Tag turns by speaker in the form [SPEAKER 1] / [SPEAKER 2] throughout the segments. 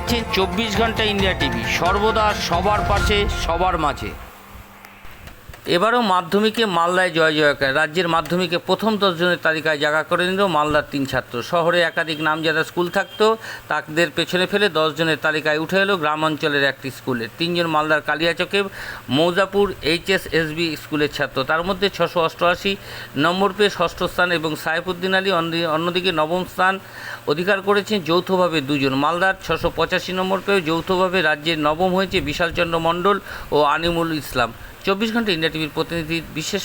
[SPEAKER 1] দেখছেন 24 ঘন্টা India TV, সর্বদা সবার পাশে সবার মাঝে। এবারও মাধ্যমিকে মালদায় জয় জয়কার। রাজ্যের মাধ্যমিকে প্রথম 10 জনের তালিকায় জায়গা করে নিল মালদার 3 ছাত্র। শহরে একাধিক নামজাদা স্কুল থাকতেও তাদের পেছনে ফেলে 10 জনের তালিকায় উঠে এলো গ্রাম অঞ্চলের একটি স্কুলের 3 জন মালদার কালিয়াচকে মৌজাপুর HSSB স্কুলের ছাত্র। তার মধ্যে 688 নম্বর পেয়ে ষষ্ঠ স্থান এবং সাইফুদ্দিন আলী অন্যদিকে নবম স্থান অধিকার করেছেন যৌথভাবে 2 জন। মালদার 685 নম্বর পেয়েও যৌথভাবে রাজ্যের নবম হয়েছে বিশালচন্দ্র মণ্ডল ও আনিমুল ইসলাম। 24 ঘন্টা ইন্ডিয়া টিভির প্রতিনিধির বিশেষ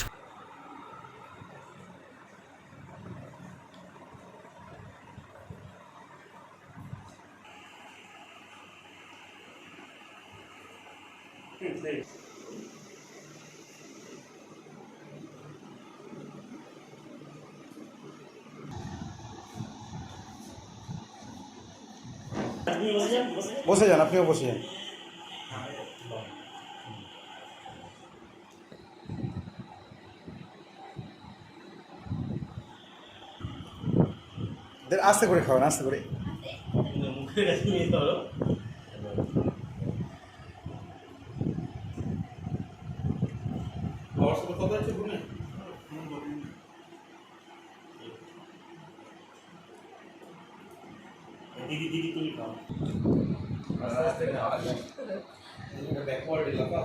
[SPEAKER 2] বসে যান, আপনিও বসে যান। আস্তে করে খাওয়ান, আস্তে করে।
[SPEAKER 3] দিদি দিদি তুমি খাও ব্যাকওয়ার্ড এলাকা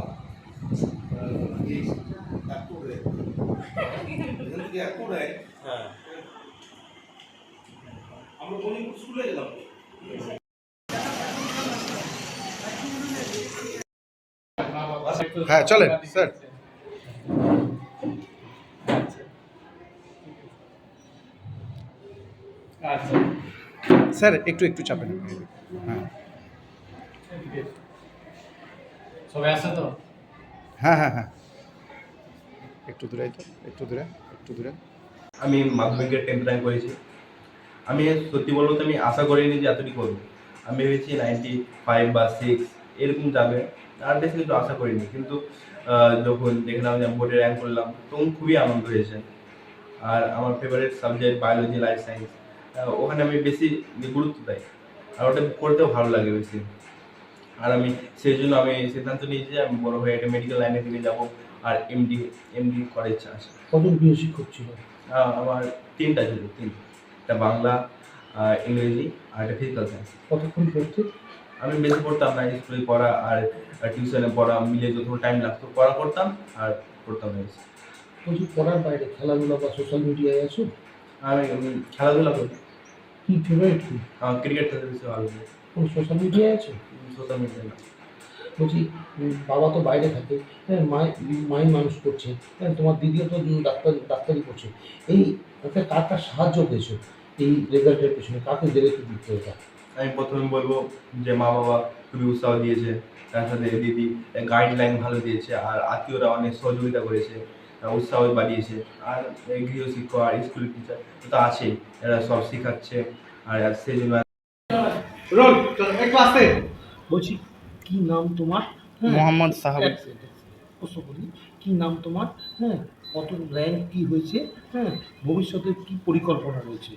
[SPEAKER 3] হ্যাঁ আমরা গণিপুর স্কুলে গেলাম।
[SPEAKER 2] হ্যাঁ চলেন স্যার। স্যার একটু একটু চাপেন। হ্যাঁ
[SPEAKER 4] সবাই আসছে তো?
[SPEAKER 2] হ্যাঁ হ্যাঁ হ্যাঁ একটু দূরে, একটু দূরে, একটু দূরে।
[SPEAKER 5] আমি মাধ্যমিকের 10th র্যাঙ্ক করেছি। আমি সত্যি বলবো তো আমি আশা করিনি যে এতটি করবো। আমি ভেবেছি 95 বা 6 এরকম যাবে, আর বেশি কিন্তু আশা করিনি। কিন্তু যখন দেখলাম যে বোর্ডে র্যাঙ্ক করলাম তখন খুবই আনন্দ হয়েছে। আর আমার favourite subject biology, life science, ওখানে আমি বেশি গুরুত্ব দেই আর ওটা করতেও ভালো লাগে বেশি। আর আমি সেই জন্য আমি সিদ্ধান্ত নিয়েছি যে আমি বড় হয়ে একটা মেডিকেল লাইনের দিকে যাবো আর এমডি করার ইচ্ছা আছে।
[SPEAKER 4] কজন প্রিয় শিক্ষক ছিল?
[SPEAKER 5] আমার 3টা ছিল, একটা বাংলা, ইংরেজি আর একটা ফিজিক্যাল সায়েন্স।
[SPEAKER 4] কতক্ষণ পড়তে?
[SPEAKER 5] আমি বেশি পড়তাম না, স্কুলে পড়া আর টিউশনে পড়া মিলে যত টাইম লাগতো পড়া করতাম আর পড়তাম না বেশি।
[SPEAKER 4] বলছি পড়ার বাইরে খেলাধুলা বা সোশ্যাল মিডিয়ায় আছো?
[SPEAKER 5] আমি খেলাধুলা করি।
[SPEAKER 4] কি ফেভারিট কি?
[SPEAKER 5] আমার ক্রিকেট খেলতে বেশি ভালো লাগে।
[SPEAKER 4] কোন সোশ্যাল মিডিয়ায় আছো?
[SPEAKER 5] সোশ্যাল মিডিয়া না।
[SPEAKER 4] বলছি বাবা তো বাইরে থাকে, হ্যাঁ মাই মানুষ করছে, হ্যাঁ তোমার দিদিও তো ডাক্তারি করছে। এই একটা কার কার সাহায্য পেয়েছো এই রেজাল্টের পেছনে? কাকে দেবে কি দিতে এটা?
[SPEAKER 5] আমি প্রথমে বলবো যে মা বাবা খুবই উৎসাহ দিয়েছে, তার সাথে দিদি গাইডলাইন ভালো দিয়েছে, আর আত্মীয়রা অনেক সহযোগিতা করেছে, উৎসাহ বাড়িয়েছে। আর গৃহশিক্ষক আর স্কুল টিচার তো আছেই, এরা সব শেখাচ্ছে। আর সেই জন্য
[SPEAKER 2] রোল একটু আস্তে।
[SPEAKER 4] বলছি কি নাম তোমার?
[SPEAKER 2] মোহাম্মদ সাহাব।
[SPEAKER 4] প্রশ্ন করি, কি নাম তোমার? হ্যাঁ কত র্যাঙ্ক কি হয়েছে? হ্যাঁ ভবিষ্যতে কি পরিকল্পনা রয়েছে?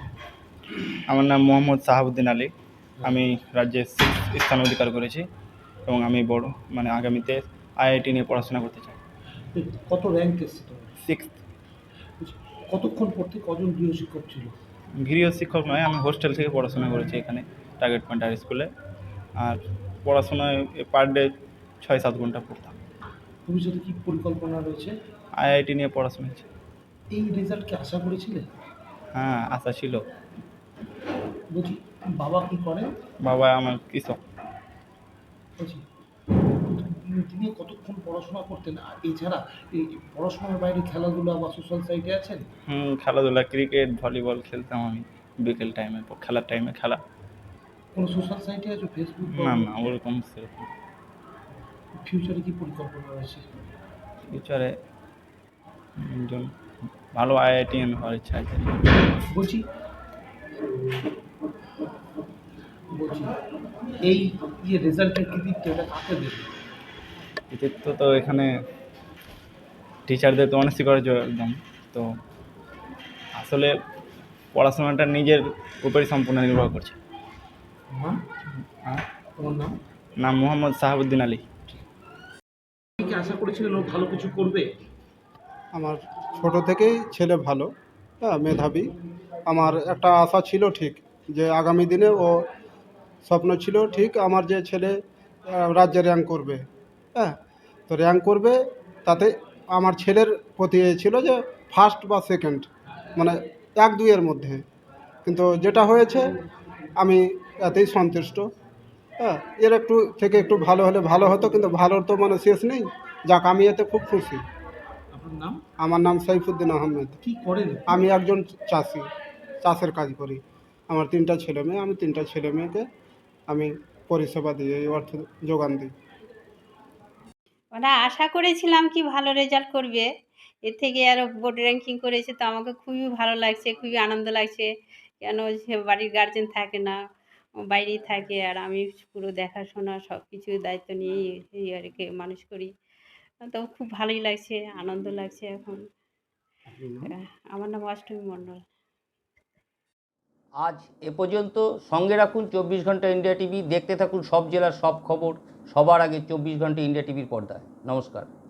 [SPEAKER 6] আমার নাম মোহাম্মদ সাহাবুদ্দিন আলী। আমি রাজ্যে 6th স্থান অধিকার করেছি এবং আমি আগামীতে IIT নিয়ে পড়াশোনা করতে চাই।
[SPEAKER 4] কত র্যাঙ্ক এসছে তোমার?
[SPEAKER 6] 6th।
[SPEAKER 4] বলছি, কতক্ষণ পড়তে কজন গৃহশিক্ষক ছিল?
[SPEAKER 6] গৃহ শিক্ষক নয়, আমি হোস্টেল থেকে পড়াশোনা করেছি এখানে টার্গেট পয়েন্ট হাই স্কুলে। আর পড়াশোনায় পার ডে 6-7 ঘন্টা পড়তাম।
[SPEAKER 4] ভবিষ্যতে কি পরিকল্পনা রয়েছে?
[SPEAKER 6] IIT নিয়ে পড়াশোনা হচ্ছে।
[SPEAKER 4] এই রেজাল্ট কি আশা করেছিলে?
[SPEAKER 6] হ্যাঁ, আশা ছিল।
[SPEAKER 4] বলছি বাবা কি করেন?
[SPEAKER 6] বাবা আমার কৃষক।
[SPEAKER 4] বলছি তিনি কতক্ষণ পড়াশোনা করতেন? আর এছাড়া এই পড়াশোনার বাইরে খেলাধুলা বা সোশ্যাল সাইটে আছেন?
[SPEAKER 6] খেলাধুলা, ক্রিকেট, ভলিবল খেলতাম আমি বিকেল টাইমে, খেলার টাইমে খেলা।
[SPEAKER 4] কোনো সোশ্যাল সাইটে আছো? ফেসবুক?
[SPEAKER 6] না না, ওরকম সেরকম।
[SPEAKER 4] ফিউচারে কি পরিকল্পনা রয়েছে?
[SPEAKER 6] ফিউচারে একজন ভালো IITian হওয়ার ইচ্ছা আছে।
[SPEAKER 4] বলছি বলছি এই যে রেজাল্টের কৃতিত্ব এটা কাকে দেবে?
[SPEAKER 6] কৃতিত্ব তো এখানে টিচারদের তো অনস্বীকার্য একদম। তো আসলে পড়াশোনাটা নিজের উপরই সম্পূর্ণ নির্ভর করছে।
[SPEAKER 4] হ্যাঁ
[SPEAKER 6] হ্যাঁ
[SPEAKER 4] তোমার নাম?
[SPEAKER 6] নাম মোহাম্মদ সাহাবুদ্দিন আলী।
[SPEAKER 4] আপনি কি আশা করেছিলেন ও ভালো কিছু করবে?
[SPEAKER 2] আমার ছোট থেকেই ছেলে ভালো, হ্যাঁ, মেধাবী। আমার একটা আশা ছিল ঠিক, যে আগামী দিনে ও স্বপ্ন ছিল ঠিক আমার যে ছেলে রাজ্যে র্যাঙ্ক করবে, হ্যাঁ। তো র্যাঙ্ক করবে, তাতে আমার ছেলের প্রতি এ ছিল যে ফার্স্ট বা সেকেন্ড, মানে 1-2 মধ্যে। কিন্তু যেটা হয়েছে আমি এতেই সন্তুষ্ট, হ্যাঁ। এর একটু ভালো হলে ভালো হতো, কিন্তু ভালোর তো মানে শেষ নেই। যাক, আমি এতে খুব খুশি।
[SPEAKER 4] আপনার নাম?
[SPEAKER 2] আমার নাম সাইফুদ্দিন আহমেদ।
[SPEAKER 4] কি করেন?
[SPEAKER 2] আমি একজন চাষি, চাষের কাজ করি। আমার 3টা ছেলে মেয়ে, আমি 3টা ছেলে মেয়েকে আমি পরিষেবা দিই, এই অর্থ যোগান দিই।
[SPEAKER 7] ওরা আশা করেছিলাম কি ভালো রেজাল্ট করবে, এর থেকে আরও বোর্ড র্যাঙ্কিং করেছে, তো আমাকে খুবই ভালো লাগছে, খুবই আনন্দ লাগছে। কেন সে বাড়ির গার্জেন থাকে না, ও বাইরেই থাকে, আর আমি পুরো দেখাশোনা সব কিছু দায়িত্ব নিয়েই এই আর কি মানুষ করি। তো খুব ভালোই লাগছে, আনন্দ লাগছে এখন। আমার নাম অষ্টমী মণ্ডল।
[SPEAKER 1] আজ এ পর্যন্ত। সঙ্গে রাখুন 24 ঘন্টা ইন্ডিয়া টিভি। দেখতে থাকুন সব জেলার সব খবর সবার আগে 24 ঘন্টা ইন্ডিয়া টিভির পর্দায়। নমস্কার।